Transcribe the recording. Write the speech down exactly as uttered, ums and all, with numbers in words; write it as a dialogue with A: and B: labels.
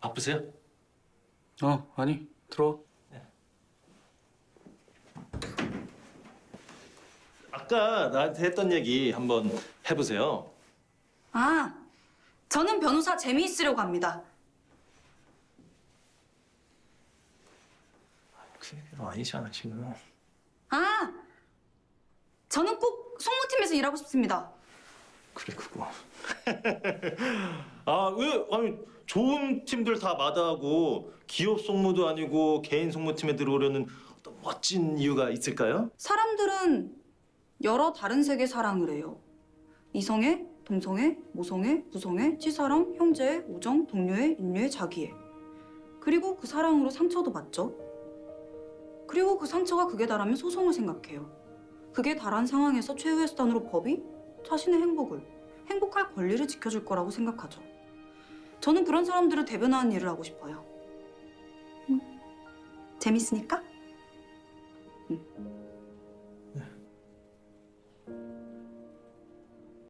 A: 바쁘세요?
B: 어, 아니, 들어와.
A: 아까 나한테 했던 얘기 한번 해보세요.
C: 아, 저는 변호사 재미있으려고 합니다.
A: 그 얘기는 아니잖아 지금.
C: 아, 저는 꼭 송무팀에서 일하고 싶습니다.
A: 그래 그거. 아 왜? 아니 좋은 팀들 다 마다하고 기업 송무도 아니고 개인 송무팀에 들어오려는 어떤 멋진 이유가 있을까요?
C: 사람들은 여러 다른 색의 사랑을 해요. 이성애, 동성애, 모성애, 부성애, 치사랑, 형제애, 우정, 동료애, 인류애, 자기애. 그리고 그 사랑으로 상처도 받죠. 그리고 그 상처가 극에 달하면 소송을 생각해요. 극에 달한 상황에서 최후의 수단으로 법이 자신의 행복을, 행복할 권리를 지켜줄 거라고 생각하죠. 저는 그런 사람들을 대변하는 일을 하고 싶어요. 음, 재밌으니까? 음.